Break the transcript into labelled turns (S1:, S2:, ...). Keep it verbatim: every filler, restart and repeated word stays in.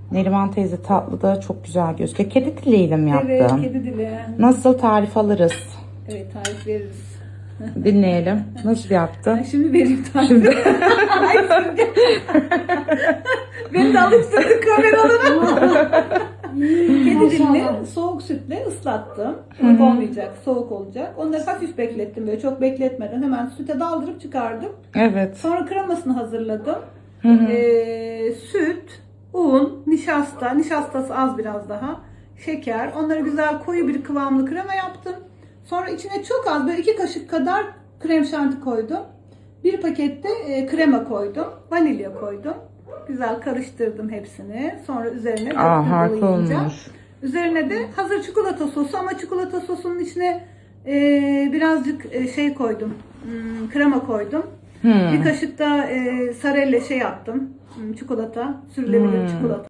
S1: Neriman teyze tatlı da çok güzel gözüküyor. Kedi diliyle mi yaptın?
S2: Evet, kedi dili.
S1: Nasıl, tarif alırız?
S2: Evet, tarif veririz.
S1: Dinleyelim. Nasıl yaptın?
S2: Ben şimdi vereyim tarifi. Ay, şimdi. Beni de alıştırdın kameralara. Kedi dilini soğuk sütle ıslattım. Ilık olmayacak, soğuk olacak. Onları hafif beklettim, böyle çok bekletmeden hemen süte daldırıp çıkardım.
S1: Evet.
S2: Sonra kremasını hazırladım.
S1: Hı hı.
S2: Ee, süt, un, nişasta, nişastası az biraz daha, şeker. Onları güzel koyu bir kıvamlı krema yaptım. Sonra içine çok az, böyle iki kaşık kadar krem şanti koydum. Bir pakette e, krema koydum. Vanilya koydum. Güzel karıştırdım hepsini. Sonra üzerine
S1: Aa, harika
S2: döküyorum.
S1: olmuş.
S2: Üzerine de hazır çikolata sosu, ama çikolata sosunun içine e, birazcık e, şey koydum. Hmm, krema koydum.
S1: Hmm.
S2: Bir kaşık da e, sarelle şey yaptım. Hmm, çikolata, sürülebilir
S1: Hmm.
S2: çikolata.